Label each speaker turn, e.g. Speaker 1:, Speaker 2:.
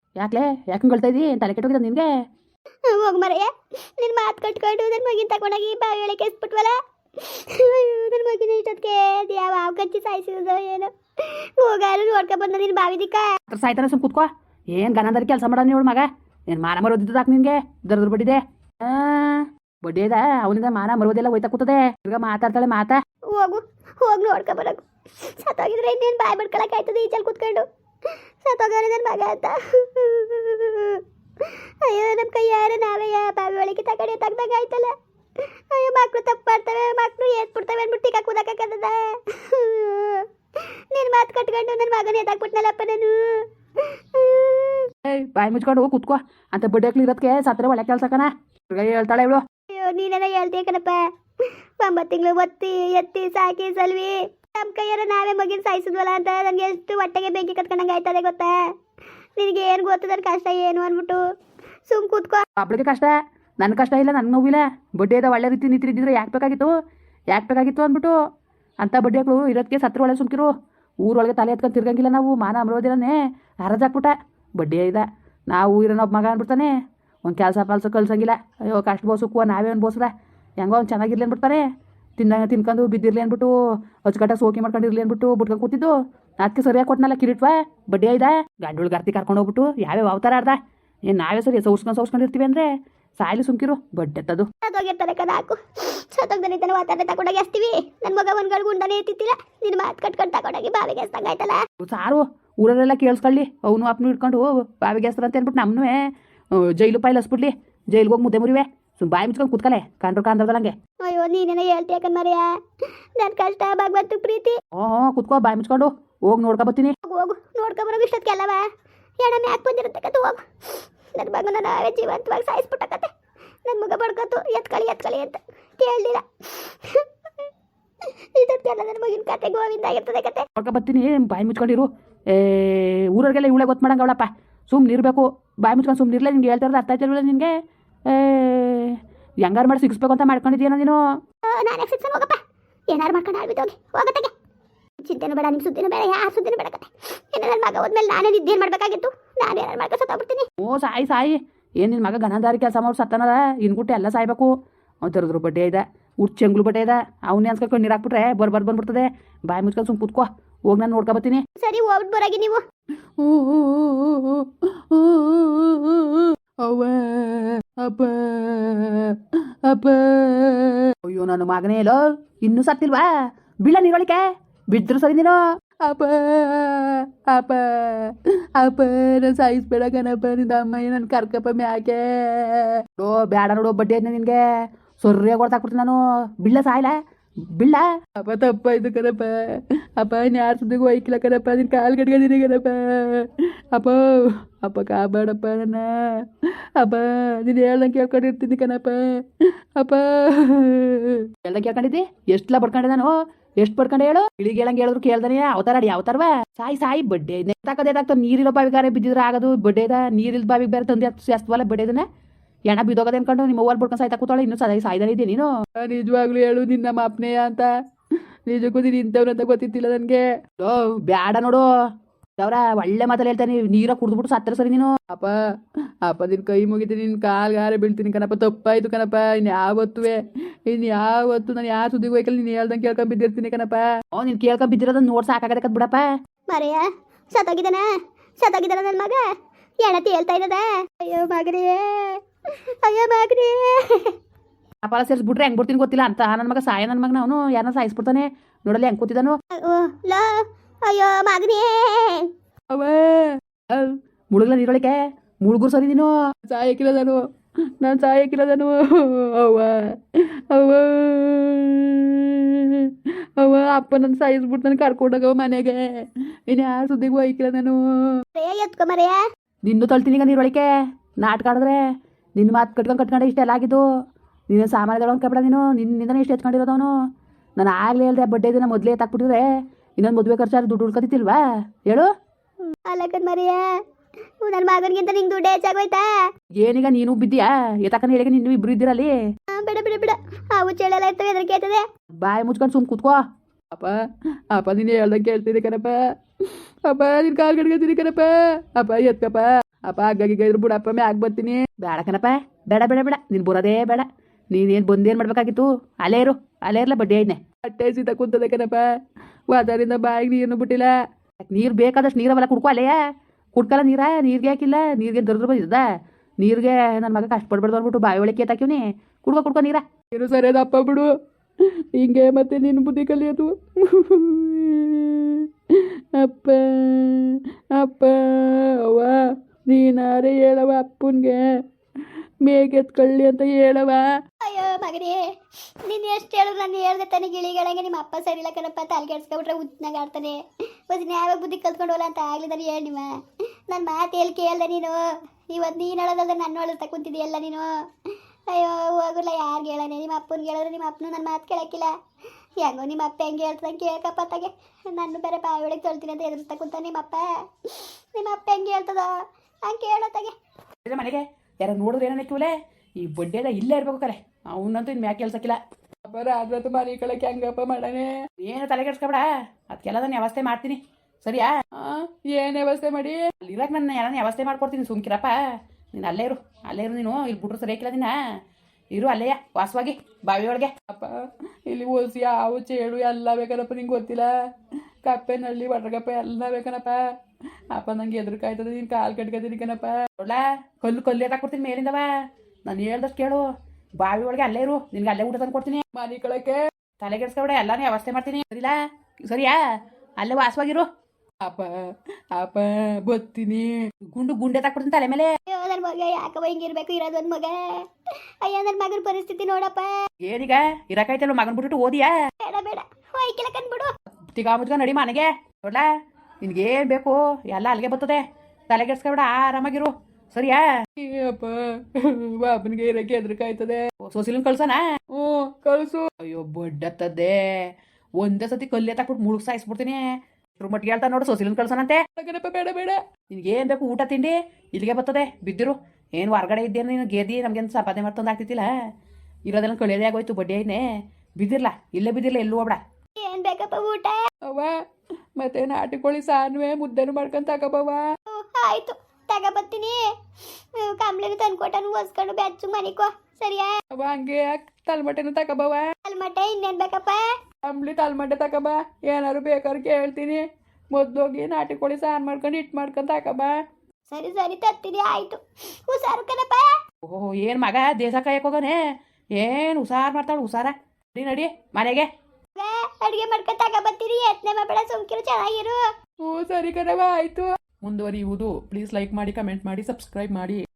Speaker 1: ಯಾಕ್ಲೆ ಯಾಕೆ ಹೇಳ್ತಾ ಇದ್ದೀ ತಲೆ ಕೆಟ್ಟೋಗಿದ್ದ ನಿನಗೆ?
Speaker 2: ಹೋಗ್ ಮರೆಯ ನಿನ್ನ ಮಾತು ಕಟ್ಕೊಂಡು ನನ್ನ ಮಗಿನ ತಗೊಂಡೋಗಿ ಬಾವಿ ಒಳಗೆ ಕೆಸ್ಬಿಟ್ವಲ್ಲ. ನನ್ನ ಮಗಿನ ಇಷ್ಟೊತ್ತಿಗೆ ಯಾವ ಕಚ್ಚಿ ಸಾಯಿಸಿದ ಏನು ಹೋಗಾರು ನೋಡ್ಕೊಂಡ್ ಬಂದ ನಿನ್ನ ಬಾವಿ ದಿಕ್ಕ
Speaker 1: ಹತ್ರ ಸಾಯ್ತಾನೆ ಸುಮ್ ಕೂತ್ಕೋ. ಏನು ಗನಂದರಿ ಕೆಲಸ ಮಾಡೋದು ನೀವು ಮಗ? ಏನು ಮಾನ ಮರೋದಿದ್ದಾಕ ನಿನಗೆ ದರ್ದ್ರ ಬಡ್ಡಿದೆ ಬಡ್ಡಿ ಇದೆ ಅವನಿಂದ ಮಾನ ಮರೋದೆಲ್ಲ ಹೋಯ್ತಾ ಕೂತದೆ. ಈಗ ಮಾತಾಡ್ತಾಳೆ ಮಾತಾ.
Speaker 2: ಹೋಗು ಹೋಗಿ ನೋಡ್ಕೊಂಡ್ ಬರೋಕು. ಸತ್ತೋಗಿದ್ರೆ ಇನ್ನೇನು ಬಾಯಿ ಬಿಡ್ಕೊಳಕ್ ಆಯ್ತದೆ ಈಚಲ್ ಕೂತ್ಕೊಂಡು. ಸತ್ತೋಗಾರ ನನ್ನ ಮಗ ಅಂತ. ಅಯ್ಯೋ ನಮ್ಮ ಕೈಯಾರ ನಾವೇ ಬಾವಿ ಒಳಗೆ ತಗಡೆ ತೆಗ್ದಾಗ ಆಯ್ತಲ್ಲ. ಅಯ್ಯೋ ಮಕ್ಳು ತಪ್ಪು ಮಾಡ್ತವೆ, ಮಕ್ಳು ಏತ್ಬಿಡ್ತವೆ ಅಂದ್ಬಿಟ್ಟು ಟೀಕಾ ಕೂದಕ್ಕಾಗದ. ನಿನ್ನ ಮಾತು ಕಟ್ಕೊಂಡು ನನ್ನ ಮಗನ ಎತ್ತಾಕ್ಬಿಟ್ನಲ್ಲಪ್ಪ ನಾನು.
Speaker 1: ಏಯ್ ಬಾಯಿ ಮುಚ್ಕೊಂಡು ಹೋಗಿ ಕೂತ್ಕೋ. ಅಂತ ಬಡ್ಡಿ ಇರೋದಕ್ಕೆ ಸತ್ತರೆ ಒಳ್ಳೆ ಕೆಲಸ ಕಣ. ಹೇಳ್ತಾಳೆ ಇವಳು.
Speaker 2: ಅಯ್ಯೋ ನೀನೇನ ಹೇಳ್ತೀಯ ಕಣಪ್ಪ. 9 ತಿಂಗಳು ಒತ್ತಿ ಎತ್ತಿ ಸಾಕಿ ಸಲ್ವಿ ನಮ್ಮ ಕೈಯಾರ ನಾವೇ ಮಗಿನ ಸಾಯಿಸಿದ್ವಲ್ಲ ಅಂತ ನನಗೆ ಎಷ್ಟು ಹೊಟ್ಟೆಗೆ ಬೆಂಕಿ ಕಟ್ಕೊಂಡಂಗೆ ಆಯ್ತದೆ ಗೊತ್ತಾ. ನಿನಗೆ ಏನು ಗೊತ್ತು ನನ್ನ ಕಷ್ಟ ಏನು ಅಂದ್ಬಿಟ್ಟು ಸುಮ್ ಕೂತ್ಕೋ.
Speaker 1: ಅವಳಿಗೆ ಕಷ್ಟ, ನನ್ನ ಕಷ್ಟ ಇಲ್ಲ, ನನ್ನ ನೋವಿಲ್ಲ. ಬಡ್ಡಿ ಇದೆ ಒಳ್ಳೆ ರೀತಿ ನಿಂತಿದ್ದಿದ್ರೆ ಯಾಕೆ ಬೇಕಾಗಿತ್ತು ಅಂದ್ಬಿಟ್ಟು ಅಂಥ ಬಡ್ಡಿಗಳು ಇರೋದಕ್ಕೆ ಸತ್ರ ಒಳ್ಳೆ ಸುಮ್ಕಿರು. ಊರೊಳಗೆ ತಲೆ ಎತ್ಕೊಂಡು ತಿರ್ಗಂಗಿಲ್ಲ ನಾವು. ಮಾನ ಅಮರೋದಿರನೇ ಹರದಾಕ್ಬಿಟ್ಟ ಬಡ್ಡಿ ಇದೆ. ನಾವು ಇರೋನ ಒಬ್ಬ ಮಗ ಅಂದ್ಬಿಡ್ತಾನೆ. ಒಂದು ಕೆಲಸ ಕಳ್ಸಂಗಿಲ್ಲ. ಅಯ್ಯೋ ಕಷ್ಟ ಬೋಸಕ್ಕೂ ನಾವೇ ಒಂದು ಬೋಸದ ಹೆಂಗೋ ಒಂದು ಚೆನ್ನಾಗಿರ್ಲಿ ಅಂದ್ಬಿಡ್ತಾರೆ. ತಿನ್ಕೊಂಡು ಬಿದ್ದಿರ್ಲಿ ಅಂದ್ಬಿಟ್ಟು ಅಚ್ಚುಕಟ್ಟಾಗಿ ಸೋಕಿ ಮಾಡ್ಕೊಂಡಿರ್ಲಿ ಅಂದ್ಬಿಟ್ಟು ಬಿಟ್ಕೊಂಡು ಕೂತಿದ್ದು. ಅದಕ್ಕೆ ಸರಿಯಾಗಿ ಕೊಟ್ಟನಲ್ಲ ಕಿರೀಟ್ವಾ ಬಡ್ಡಿ ಇದೆ. ಗಂಡುಳು ಗರ್ತಿ ಕರ್ಕೊಂಡು ಹೋಗ್ಬಿಟ್ಟು ಯಾವ್ಯಾವ ಅವತಾರ ಆಡ್ದ. ಏನು ನಾವೇ ಸರಿ ಸೌಸ್ಕೊಂಡಿರ್ತೀವಿ ಅಂದರೆ ಸಾಯ್ಲಿ ಸುಮ್ಕಿರು. ಬಡ್ಡೆ ಎತ್ತದು
Speaker 2: ಸತ್ತೋಗಿರ್ತಾರೆ ಕದ ಹಾಕು. ಸತ್ತೋಗ್ದಾನೆ ತಾನೆ ವಾತಾವರಣ ತಗೊಂಡೋಗಿ ಹಸ್ತೀವಿ. ನನ್ನ ಮಗ ಒಂದ್ಗಳು ಗುಂಡನೇ ಎತ್ತಿತ್ತಿಲ್ಲ. ನಿನ್ನ ಮಾತು ಕಟ್ಕೊಂಡು ತಗೊಂಡೋಗಿ ಬಾವಿಗೆ ಹಸ್ತಂಗ ಆಯ್ತಲ್ಲ.
Speaker 1: ಸಾರು ಊರಲ್ಲೆಲ್ಲ ಕೇಳಿಸ್ಕೊಳ್ಳಿ. ಅವನು ಅಪ್ಪನು ಇಟ್ಕೊಂಡು ಬಾವಿಗೆ ಹೆಸ್ರು ಅಂತ ಅಂದ್ಬಿಟ್ಟು ನಮ್ಮನೂ ಜೈಲು ಪಾಯ್ಲು ಹಸ್ಬಿಡ್ಲಿ. ಜೈಲಿಗೆ ಹೋಗಿ ಮುದ್ದೆ ಮುರಿವೆ. ಬಾಯಿ ಮುಚ್ಕೊಂಡು ಕೂತ್ಕಲೆ ಕಾಂದ್ರದಲ್ಲಂಗೆ.
Speaker 2: ಅಯ್ಯೋ ನೀನೇನ ಹೇಳ್ತೀಯ ಕಣ್ಮರಿಯ. ನನ್ನ ಕಷ್ಟ ಭಗವಂತ ಪ್ರೀತಿ.
Speaker 1: ಕೂತ್ಕೋ ಬಾಯಿ ಮುಚ್ಕೊಂಡು ಹೋಗಿ ನೋಡ್ಕೊಬತ್ತೀನಿ.
Speaker 2: ಹೋಗು ನೋಡ್ಕೊಂಬರೋದು ಇಷ್ಟೊತ್ತಿಗೆಲ್ಲವ ಎಣ್ಣೆ ಯಾಕೆ ಬಂದಿರುತ್ತೆ ಕತೆ. ಹೋಗು ನನ್ನ ಮಗನ ನಾವೇ ಜೀವಂತವಾಗಿ ಸಾಯಿಸ್ಬಿಟ್ಟಕತ್ತೆ. ನನ್ನ ಮಗ ಬಡ್ಕೊತು ಎತ್ಕಳಿ ಅಂತ ಕೇಳಲಿಲ್ಲ. ಇಷ್ಟೊತ್ತಿಗೆಲ್ಲ ನನ್ನ ಮಗಿನ ಕತೆ ಗೋವಿಂದ ಆಗಿರ್ತದೆ ಕತೆ.
Speaker 1: ನೋಡ್ಕೊಬತ್ತೀನಿ. ಬಾಯಿ ಮುಚ್ಕೊಂಡಿರು. ಊರವ್ರಿಗೆಲ್ಲ ಇವಳೆ ಗೊತ್ತು ಮಾಡಂಗೆ ಅವಳಪ್ಪ. ಸುಮ್ಮನೆ ಇರಬೇಕು. ಬಾಯಿ ಮುಚ್ಕೊಂಡು ಸುಮ್ಮನೆ ಇರಲ್ಲ. ನಿನ್ಗೆ ಹೇಳ್ತಾ ಇರೋದು ಅರ್ಥ ಆಯ್ತಿಲ್ಲ ನಿನಗೆ. ಹೆಂಗಾರು ಮಾಡಿ ಸಿಗಿಸ್ಬೇಕು ಅಂತ ಮಾಡ್ಕೊಂಡಿದ್ದೀನ ನೀನು.
Speaker 2: ನಾನೇ ಸಿಕ್ಸನ್ ಹೋಗಪ್ಪ. ಏನಾರು ಮಾಡ್ಕೊಂಡು ಆಡ್ಬಿಟ್ಟೋಗಿ ಹೋಗತ್ತಾಗೆ. ಚಿಂತೆನೂ ಬೇಡ, ನಿಮ್ಮ ಸುದ್ದಿನೂ ಬೇಡ, ಯಾರ ಸುದ್ದಿನೂ ಬೇಡ ಕತೆ. ಇನ್ನು ನನ್ನ ಮಗ ಹೋದ್ಮೇಲೆ ನಾನೇ ನಿದ್ದೇನು ಮಾಡಬೇಕಾಗಿತ್ತು. ನಾನೇ ಏನಾರು ಮಾಡ್ಕೊಂಡು ಸತ್ತೋಗ್ಬಿಡ್ತೀನಿ.
Speaker 1: ಸಾಯಿ ಏನು ನಿನ್ನ ಮಗ ಗನಂದಾರಿ ಕೆಲಸ ಮಾಡಿ ಸತ್ತನದ. ಇನ್ಗುಟ್ಟೆ ಎಲ್ಲ ಸಾಯ್ಬೇಕು. ಅವ್ನು ತರದ್ರು ಬಡ್ಡೆ ಇದೆ, ಚೆಂಗ್ಳು ಬಡ್ಡೆ ಇದೆ. ಅವನ್ನೇ ಅನ್ಸ್ಕೊಂಡು ನೀರು ಹಾಕ್ಬಿಟ್ರೆ ಬಂದ್ಬಿಡ್ತದೆ. ಬಾಯಿ ಮುಚ್ಕೊಂಡು ಸುಮ್ಮ ಕೂತ್ಕೋ. ಹೋಗಿ ನಾನು ನೋಡ್ಕೊಬತ್ತೀನಿ.
Speaker 2: ಸರಿ ಹೋಗ್ಬಿಟ್ಟು ಬರಾಗಿ ನೀವು.
Speaker 1: ಅವ್ವ ಅಪ್ಪ ಅಪ್ಪ. ಅಯ್ಯೋ ನನ್ನ ಮಗನೇ ಎಲ್ಲೋ ಇನ್ನೂ ಸತ್ತಿಲ್ವಾ? ಬೀಳ ನೀರೊಳಿಕೆ ಬಿದ್ರು ಸರಿ ನೀನು. ಅಪ್ಪ ಅಪ್ಪ ಅಪ್ಪ ನಾನು ಸಾಯಿಸ್ಬೇಡ ಕಣಪ್ಪ. ನಿಂದ ಅಮ್ಮ ನನ್ನ ಕರ್ಕಪ್ಪ ಮ್ಯಾಕೆ. ಬೇಡ ನೋಡು ಬಡ್ಡಿ ಐತೆ ನಿನಗೆ. ಸೊರ್ರಿಯಾಗಿ ಹೊಡ್ತಾಕ್ಬಿಡ್ತೀನಿ ನಾನು. ಬಿಳ್ಳ ಸಾಯ್ಲ ಬಿಳ್ಳ. ಅಪ್ಪ ತಪ್ಪಾಯ್ತು ಕಣಪ್ಪ. ಅಪ್ಪ ಯಾರ ಸುದ್ದಿಗೂ ಹೋಯ್ಕಿಲ್ಲ ಕಣಪ್ಪ. ನಿನ್ನ ಕಾಲು ಕಟ್ಕೊಂಡಿನಿ ಕಣಪ್ಪ. ಅಪ್ಪ ಕಾಪಾಡಪ್ಪ ನನ್ನ. ಅಪ್ಪ ನೀನು ಹೇಳ್ದಂಗೆ ಕೇಳ್ಕೊಂಡಿರ್ತೀನಿ ಕಣಪ್ಪ. ಅಪ್ಪ ಹೇಳ್ದಂಗೆ ಕೇಳ್ಕೊಂಡಿದ್ದಿ? ಎಷ್ಟೆಲ್ಲ ಬಡ್ಕೊಂಡೆ ನಾನು. ಎಷ್ಟು ಬಡ್ಕೊಂಡೆ ಹೇಳು? ಇಳಿಗೆ ಹೇಳಂಗೆ ಹೇಳಿದ್ರು ಕೇಳ್ದಾನೆ. ಅವತಾರ ಯಾವತಾರವ ಸಾಯಿ ಬಡ್ಡೆ ನೆತ್ತಾಕದೇದಾಗ್ತದೆ. ನೀರಿರೋ ಬಾವಿಗಾರೆ ಬಿದ್ದಿದ್ರೆ ಆಗೋದು. ಬಡ್ಡೆ ಇದೆ ನೀರಿಲ್ದ ಬಾವಿಗೆ ಬೇರೆ ತಂದು ಜಾಸ್ತಿವಲ್ಲ ಬಡ್ಡೆ ಇದನ್ನ. ಎಣ ಬಿದ್ದೋಗದೆ ಅನ್ಕೊಂಡು ನಿಮ್ಮ ಅವ್ವಲ್ಲಿ ಬಡ್ಕೊಂಡು ಸಾಯ್ತಾ ಕೂತಾಳೆ. ಇನ್ನೂ ಸಾಯ್ದಾನೆ ಇದೆಯಾ ನೀನು? ನಿಜವಾಗ್ಲೂ ಹೇಳು ನಿನ್ನ ಮಾಪ್ನೆಯ ಅಂತ. ನಿಜಕ್ಕೂ ನೀನು ಇಂಥವ್ರಂತ ಗೊತ್ತಿತ್ತಿಲ್ಲ ನನಗೆ. ಬ್ಯಾಡ ನೋಡು ಅವ್ರ ಒಳ್ಳೆ ಮಾತಲ್ಲಿ ಹೇಳ್ತಾನೆ. ನೀರ ಕುಡಿದ್ಬಿಟ್ಟು ಸತ್ತರ ಸರಿ ನೀನು. ಅಪ್ಪ ನಿನ್ನ ಕೈ ಮುಗಿತೀನಿ, ನಿನ್ನ ಕಾಲ್ಗಾರೆ ಬೀಳ್ತೀನಿ ಕಣಪ್ಪ. ತಪ್ಪಾಯ್ತು ಕಣಪ್ಪ. ಇನ್ಯಾವತ್ತು ನಾನು ಯಾವ ಸುದ್ದಿಗೆ ಹೋಯ್ಕಲ್ಲ. ನೀನು ಹೇಳ್ದಂಗೆ ಕೇಳ್ಕೊಂಡ್ ಬಿದ್ದಿರ್ತೀನಿ ಕಣಪ್ಪ. ನೀನು ಕೇಳ್ಕೊಂಡ್ ಬಿದ್ದಿರೋದನ್ನ ನೋಡಿ ಸಾಕಾಗದೆ ಬಿಡಪ್ಪ.
Speaker 2: ಮರೆಯ ಸತ್ತೋಗಿದ್ದಾನ ನನ್ನ ಮಗ. ಎಣತಿ ಹೇಳ್ತಾ ಇದ್ದದ. ಅಯ್ಯೋ ಮಗನೇ
Speaker 1: ಅಪ್ಪ ಸೇರಿಸ್ಬಿಟ್ರೆ ಹೆಂಗ್ ಬಿಡ್ತೀನಿ ಗೊತ್ತಿಲ್ಲ ಅಂತ. ನನ್ನ ಮಗ ಸಾಯ ನನ್ನ ಮಗನ. ಅವನು ಯಾರನ್ನ ಸಾಯಿಸ್ಬಿಡ್ತಾನೆ ನೋಡಲ್ಲ ಹೆಂಗ್ ಕೂತಿದ್ದಾನು.
Speaker 2: ಅಯ್ಯೋ ಮಗನೇ
Speaker 1: ಅವ ಮುಳುಗ್ಲ ನೀರೊಳಗೆ ಮುಳುಗುರು ಸರಿ ನೀನು. ಸಾಯಕ್ಕಿಲ್ಲ ನಾನು. ಅವ್ವ ಅಪ್ಪ ನನ್ನ ಸಾಯಿಸ್ಬಿಟ್ಟು ನಾನು ಕರ್ಕೊಂಡೋಗವ ಮನೆಗೆ. ಇನ್ನು ಯಾರ ಸುದ್ದಿಗೂ ಹೋಯ್ಕಿಲ್ಲ ನಾನು.
Speaker 2: ಎತ್ಕೊ ಮರೆಯ.
Speaker 1: ನಿನ್ನೂ ತಳ್ತೀನಿ ಈಗ ನೀರೊಳಗೆ. ನಾಟಕ ಆಡಿದ್ರೆ ನಿನ್ನ ಮಾತು ಕಟ್ಕೊಂಡು ಇಷ್ಟೆಲ್ಲ ಆಗಿದ್ದು. ನೀನು ಸಾಮಾನ್ಯದೊಳಗೆ ಅನ್ಕೊಬೇಡ. ನಿನ್ನಿಂದನೇ ಇಷ್ಟು ಎತ್ಕೊಂಡಿರೋದವನು. ನಾನು ಆಗಲೇ ಹೇಳ್ದೆ ಬಡ್ಡೆ ದಿನ ಮೊದಲೇ ಎತ್ತಾಕ್ಬಿಟ್ಟಿದ್ರೆ ಇನ್ನೊಂದು ಮದುವೆ ಖರ್ಚಾರು ದುಡ್ಡು ಉಳ್ಕೊತಿಲ್ವಾ ಹೇಳು?
Speaker 2: ಅಲ್ಲಕ್ಕನ್ ಮರಿಯ ನನ್ನ ಮಗನಿಗಿಂತ ನಿಂಗೆ ದುಡ್ಡು ಹೆಚ್ಚಾಗೋಯ್ತಾ?
Speaker 1: ಏನೀಗ ನೀನು ಬಿದ್ದೀಯಾ? ಎತ್ತಕ್ಕನ ಹೇಳಿಗೆ ನೀನು ಇಬ್ರು ಇದ್ದೀರಲ್ಲಿ.
Speaker 2: ಬಿಡ ಅವು ಚೆಳೆಲ್ಲ ಇರ್ತವೆ. ಎದಕ್ಕೆ ಆಯ್ತದೆ?
Speaker 1: ಬಾಯಿ ಮುಚ್ಕೊಂಡು ಸುಮ್ ಕೂತ್ಕೋ. ಅಪ್ಪ ಅಪ್ಪ ನೀನು ಹೇಳ್ದಂಗೆ ಕೇಳ್ತೀನಿ ಕಣಪ್ಪ. ಅಪ್ಪ ನಿನ್ ಕಾಲ್ ಕಡ್ಕೊತೀನಿ ಕಣಪ್ಪ. ಅಪ್ಪ ಎತ್ಕಪ್ಪ. ಅಪ್ಪ ಹಗ್ಗಾಗಿ ಇದ್ರು ಬಿಡಪ್ಪ ಮ್ಯಾಗ ಬರ್ತೀನಿ. ಬೇಡ ಕಣಪ್ಪ, ಬೇಡ ಬೇಡ ಬೇಡ, ನೀನು ಬರೋದೇ ಬೇಡ. ನೀನೇನು ಬಂದೇನು ಮಾಡ್ಬೇಕಾಗಿತ್ತು? ಅಲ್ಲೇ ಇರು, ಅಲ್ಲೇ ಇರಲ್ಲ ಬಡ್ಡಿ ಐನೆ. ಹೊಟ್ಟೆ ಸೀತ ಕುಂತದೆ ಕಣಪ್ಪ. ವಾತಾರಿಂದ ಬಾಯಿಗೆ ನೀರನ್ನು ಬಿಟ್ಟಿಲ್ಲ. ನೀರು ಬೇಕಾದಷ್ಟು ನೀರವಲ್ಲ, ಕುಡ್ಕೊ ಅಲ್ಲೇ. ಕುಡ್ಕಲ್ಲ ನೀರ, ನೀರಿಗೆ ಹಾಕಿಲ್ಲ. ನೀರಿಗೆ ದರ್ದ್ರ ಬಂದಿದ್ದ ನೀರಿಗೆ ನನ್ನ ಮಗ ಕಷ್ಟಪಡ್ಬಾರ್ದು ಅಂದ್ಬಿಟ್ಟು ಬಾಯಿ ಒಳಗೆ ಕೇತಾಕಿವ್ನಿ. ಕುಡ್ಕೊ ನೀರ. ನೀರು ಸರಿಯಾದಪ್ಪ ಬಿಡು, ಹಿಂಗೆ ಮತ್ತೆ ನಿನ್ನ ಬುದ್ಧಿ ಕಲಿಯೋದು. ಅಪ್ಪ ಅಪ್ಪ ಅವ್ವ ನೀನಾರೇ ಹೇಳವ ಅಪ್ಪನ್ಗೆ ಮೇಗೆತ್ಕೊಳ್ಳಿ ಅಂತ ಹೇಳವ.
Speaker 2: ಅಯ್ಯೋ ಮಗನೇ, ನೀನು ಎಷ್ಟು ಹೇಳಿದ್ರು ನಾನು ಹೇಳ್ದೆ ತಾನೇ ಗಿಳಿಗಳಂಗೆ ನಿಮ್ಮ ಅಪ್ಪ ಸರಿ ಇಲ್ಲ ಕಣಪ್ಪ. ತಲೆ ಕೆಡ್ಸ್ಕೊಬಿಟ್ರೆ ಉತ್ತನಾಗ ಆಡ್ತಾನೆ. ಒಂದು ಯಾವಾಗ ಬುದ್ಧಿ ಕಲ್ತ್ಕೊಂಡವಲ್ಲ ಅಂತ ಆಗ್ಲಿ ನಾನು ಹೇಳಿ ನಿಮ್ಮ ನನ್ನ ಮಾತು ಹೇಳಿ ಕೇಳ್ದೆ ನೀನು. ಇವತ್ತು ನೀನು ಹೇಳೋದಲ್ದೆ ನನ್ನ ಹೇಳೋದು ತಗೊಂತಿದ್ದೀಯಲ್ಲ ನೀನು. ಅಯ್ಯೋ ಹೋಗಲ್ಲ, ಯಾರಿಗೆ ಹೇಳೋಣ? ನಿಮ್ಮ ಅಪ್ಪನಿಗೆ ಹೇಳಿದ್ರೆ ನಿಮ್ಮ ಅಪ್ಪನು ನನ್ನ ಮಾತು ಕೇಳೋಕ್ಕಿಲ್ಲ. ಹೆಂಗೋ ನಿಮ್ಮ ಅಪ್ಪ ಹೆಂಗೆ ಹೇಳ್ತದಂಗೆ ಕೇಳ್ಕಪ್ಪ ತಾಗೆ. ನಾನು ಬೇರೆ ಬಾಯಿ ಒಳಗೆ ತೊಳ್ತೀನಿ ಅಂತ ಎದುರು ತಗೊಂತ ನಿಮ್ಮ ಅಪ್ಪ ಹೆಂಗೆ ಹೇಳ್ತದ ಹಂಗೆ ಕೇಳೋತ್ತಾಗೆ.
Speaker 1: ಮನೆಗೆ ಯಾರು ನೋಡಿದ್ರೆ ಏನೋ ನೆಕ್ಕಿವಲೆ ಈ ಬಡ್ಡೆದ ಇಲ್ಲೇ ಇರ್ಬೇಕು ಕರೆ. ಅವನಂತೂ ಇನ್ನು ಮ್ಯಾಕೆ ಕೆಲ್ಸಕ್ಕಿಲ್ಲ. ಅಪ್ಪ ರಾತ್ರಿ ಮನೆ ಕಳಕ್ಕೆ ಹೆಂಗಪ್ಪ ಮಾಡಾನೆ. ಏನು ತಲೆ ಕೆಡ್ಸ್ಕೊಬೇಡ, ಅದಕ್ಕೆಲ್ಲ ನಾನು ವ್ಯವಸ್ಥೆ ಮಾಡ್ತೀನಿ ಸರಿಯಾ? ಏನು ವ್ಯವಸ್ಥೆ ಮಾಡಿ ಅಲ್ಲಿರಾಕ ನನ್ನ ಎಲ್ಲ ವ್ಯವಸ್ಥೆ ಮಾಡ್ಕೊಡ್ತೀನಿ. ಸುಮ್ಕಿರಪ್ಪ, ನೀನು ಅಲ್ಲೇ ಇರು ನೀನು. ಇಲ್ಲಿ ಬಿಟ್ರು ಸರಿಯಾಕಿಲ್ಲ ದಿನ ಇರು ಅಲ್ಲೇ ವಾಸವಾಗಿ ಬಾವಿ ಒಳಗೆ. ಅಪ್ಪ ಇಲ್ಲಿ ಓಸಿ ಹಾವು ಚೇಳು ಎಲ್ಲ ಬೇಕನಪ್ಪ, ನಿಂಗೆ ಗೊತ್ತಿಲ್ಲ. ಕಪ್ಪೆ ನಳ್ಳಿ ಒಡ್ರಗಪ್ಪ ಎಲ್ಲ ಬೇಕನಪ್ಪ. ಅಪ್ಪ ನಂಗೆ ಎದುರುಕಾಯ್ತದೆ, ನೀನು ಕಾಲು ಕಟ್ಕೊತೀನಿ ಕಣಪ್ಪ. ಒಳ್ಳ ಕಲ್ಲು ಎತ್ತಾಕೊಡ್ತೀನಿ ಮೇಲಿಂದವ. ನಾನು ಹೇಳ್ದಷ್ಟು ಕೇಳು. ಬಾವಿ ಒಳಗೆ ಅಲ್ಲೇ ಇರು, ನಿನ್ಗೆ ಅಲ್ಲೇ ಊಟ ತಂದು ಕೊಡ್ತೀನಿ. ಮನೆ ಕಳಕ್ಕೆ ತಲೆ ಕೆಡ್ಸ್ಕೊಬೇಡ, ಎಲ್ಲಾನು ವ್ಯವಸ್ಥೆ ಮಾಡ್ತೀನಿ ಸರಿಲ್ಲ? ಸರಿಯಾ? ಅಲ್ಲೇ ವಾಸವಾಗಿರು. ಅಪ್ಪ ಅಪ್ಪ ಬತ್ತೀನಿ. ಗುಂಡೆ ತಾಕ್ಬಿಡ್ತೀನಿ ತಲೆ ಮೇಲೆ.
Speaker 2: ಅಯ್ಯೋ ನನ್ನ ಮಗ ಯಾಕವ ಹಿಂಗಿರ್ಬೇಕು ಇರೋದು ಒಂದು ಮಗ. ಅಯ್ಯೋ ನನ್ನ ಮಗನ ಪರಿಸ್ಥಿತಿ ನೋಡಪ್ಪ.
Speaker 1: ಏನೀಗ ಇರಕಾಯ್ತಲ್ಲ ಮಗನ್ ಬಿಟ್ಬಿಟ್ಟು ಓದಿಯಾ?
Speaker 2: ಬೇಡ ಬೇಡ ಹೋಯ್ಕಿಲ್ಲ ಕಂದ್ಬಿಡು.
Speaker 1: ತಿಗಾ ಮುಚ್ಕ ನಡಿ ಮನೆಗೆ. ನೋಡ್ಲಾ ನಿನ್ಗೇನು ಬೇಕು ಎಲ್ಲ ಅಲ್ಲಿಗೆ ಬರ್ತದೆ. ತಲೆ ಕೆಡ್ಸ್ಕೊಬೇಡ, ಆರಾಮಾಗಿರು ಸರಿಯಾ? ಅಪ್ಪ ಬಾಬನಿಗೆ ಇರಕ್ಕೆ ಎದ್ರಕಾಯ್ತದೆ. ಸೊಸಿಲನ್ ಕಳ್ಸನ? ಕಳ್ಸು. ಅಯ್ಯೋ ಬಡ್ಡತ್ತದ್ದೆ, ಒಂದೇ ಸತಿ ಕಲ್ಲೆ ತಾಕ್ಬಿಟ್ಟು ಮುಳುಗ್ ಸಾಯಿಸ್ಬಿಡ್ತೀನಿ. ಮಟ್ಟಿಗೆ ಹೇಳ್ತಾ ನೋಡು, ಸೊಸಿಲನ್ ಕಳ್ಸನಂತೆ. ಬೇಡ ಬೇಡ, ನಿನ್ಗೇನು ಬೇಕು ಊಟ ತಿಂಡಿ ಇಲ್ಲಿಗೆ ಬರ್ತದೆ. ಬಿದ್ದಿರು. ಏನು ಹೊರಗಡೆ ಇದ್ದೇನು ನೀನು ಗೆದ್ದಿ ನಮ್ಗೇನು ಸಂಪಾದನೆ ಮಾಡ್ತಂದು ಆಗ್ತಿತ್ತಿಲ್ಲ. ಇರೋದೆಲ್ಲ ಕಳಿಯೋದೇ ಆಗೋಯ್ತು. ಬಡ್ಡಿ ಐನೆ ಬಿದ್ದಿರ್ಲ, ಇಲ್ಲೇ ಬಿದ್ದಿರ್ಲ, ಎಲ್ಲೂ ಹೋಗ್ಬೇಡ.
Speaker 2: ಏನ್ ಬೇಕಪ್ಪ ಊಟ?
Speaker 1: ಅವ್ವ ಮತ್ತೆ ನಾಟಿ ಕೋಳಿ ಸಾನ್ವೆ ಮುದ್ದೆನು ಮಾಡ್ಕೊಂಡ್ ತಗೋಬವ್ವ.
Speaker 2: ಆಯ್ತು ತಗೋಬತ್ತೀನಿ. ಕಂಬ್ಳಿಗೆ ತಂದ್ಕೊಟ್ಟನು ಹೊಸ್ಕೊಂಡು ಬೆಚ್ಚು ಮನಿಕೋ ಸರಿಯಾ?
Speaker 1: ಅವ್ವ ಹಂಗೆ ತಲ್ಮಟೆನು ತಗೋಬವ್ವ.
Speaker 2: ತಲ್ಮಟೆ ಇನ್ನೇನ್ ಬೇಕಪ್ಪ?
Speaker 1: ಕಂಬ್ಳಿ ತಲ್ಮಟೆ ತಗೋಬ. ಏನಾರು ಬೇಕಾದ್ರೆ ಕೇಳ್ತೀನಿ. ಮೊದ್ಲೋಗಿ ನಾಟಿ ಕೋಳಿ ಸಾರು ಮಾಡ್ಕೊಂಡು ಹಿಟ್ಟು ಮಾಡ್ಕೊಂಡು ತಗೋಬ.
Speaker 2: ಸರಿ ಸರಿ ತತ್ತೀನಿ. ಆಯ್ತು ಹುಷಾರು ಕಣಪ್ಪ.
Speaker 1: ಓಹೋ ಏನು ಮಗ ದೇಶ ಕಾಯಕ್ ಹೋಗೋನೆ? ಏನು ಹುಷಾರು ಮಾಡ್ತಾಳು ಹುಷಾರ. ನಡಿ ನಡಿ ಮನೆಗೆ.
Speaker 2: ಅಡಿಗೆ ಮಾಡ್ಕೊಂಡು ತಗೋಬತ್ತೀನಿ. ಯತ್ನೆ ಮಾಡಬೇಡ, ಸುಮ್ಕಿರು, ಚೆನ್ನಾಗಿರು.
Speaker 1: ಸರಿ ಕಣವ ಆಯ್ತು. ಮುಂದುವರಿಯುವುದು. ಪ್ಲೀಸ್ ಲೈಕ್ ಮಾಡಿ, ಕಮೆಂಟ್ ಮಾಡಿ, ಸಬ್ಸ್ಕ್ರೈಬ್ ಮಾಡಿ.